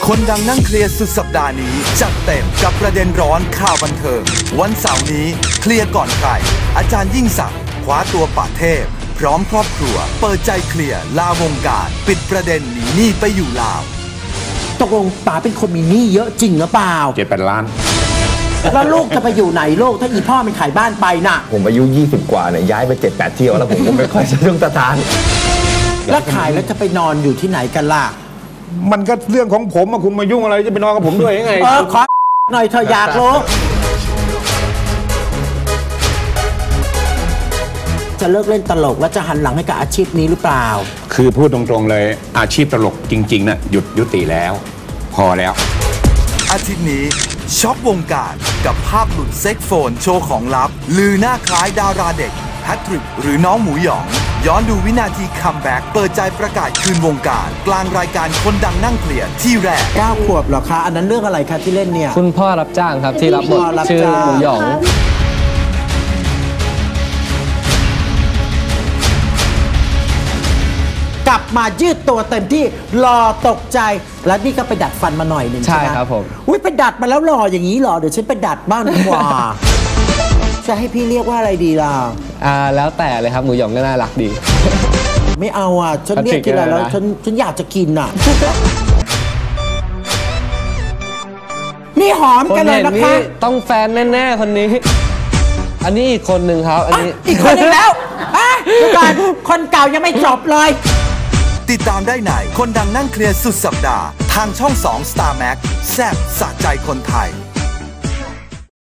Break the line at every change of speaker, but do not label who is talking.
คนดังนั่งเคลียร์สุดสัปดาห์นี้จัดเต็มกับประเด็นร้อนข่าวบันเทิงวันเสาร์นี้เคลียร์ก่อนใครอาจารย์ยิ่งศักดิ์คว้าตัวป่าเทพพร้อมครอบครัวเปิดใจเคลียร์ลาวงการปิดประเด็นหนีหนี้ไปอยู่ลาว
ตกลงป๋าเป็นคนมีหนี้เยอะจริงหรือเปล่า
7-8 ล้าน
แล้วลูกจะไปอยู่ไหนลูกถ้าอีพ่อมันขายบ้านไปน่ะ
ผมอายุ20 กว่าเนี่ยย้ายไป7-8 เที่ยวแล้วผมก็ไม่ค่อยจะต้องสถาน
แล้วขายแล้วจะไปนอนอยู่ที่ไหนกันล่ะ
มันก็เรื่องของผมอะคุณมายุ่งอะไรจะไปนอนกับผมด้วยยังไง
ขอหน่อยเธออยากรู้จะเลิกเล่นตลกแล้วจะหันหลังให้กับอาชีพนี้หรือเปล่า
คือพูดตรงๆเลยอาชีพตลกจริงๆน่ะยุติแล้วพอแล้ว
อาทิตย์นี้ช็อกวงการกับภาพหลุดเซ็กโฟนโชว์ของลับลือหน้าคล้ายดาราเด็กแพทริกหรือน้องหมูหยองย้อนดูวินาทีคัมแบ็กเปิดใจประกาศคืนวงการกลางรายการคนดังนั่งเคลียร์ที่แรก
9 ขวบเหรอคะอันนั้นเรื่องอะไรคะที่เล่นเนี่ย
คุณพ่อรับจ้างครับที่รับบทชื่อหมูหยอง
กลับมายืดตัวเต็มที่หล่อตกใจแล้วนี่ก็ไปดัดฟันมาหน่อยหนึ่ง
ใช่ครับผม
อุ้ยไปดัดมาแล้วหล่ออย่างนี้หรอเดี๋ยวฉันไปดัดบ้างดีกว่าจะให้พี่เรียกว่าอะไรดีล่ะ
แล้วแต่เลยครับหมูหยองก็น่ารักดี
ไม่เอาฉันเรียกทีไรแล้วฉันอยากจะกินนี่หอมกันเลยนะคะ
ต้องแฟนแน่ๆคนนี้อันนี้อีกคนหนึ่งครับอันนี้
อีกคนนึงแล้วดูก่อนคนเก่ายังไม่จบเลย
ติดตามได้ไหนคนดังนั่งเคลียร์สุดสัปดาห์ทางช่อง2 Star Max แซ่บสะใจคนไทย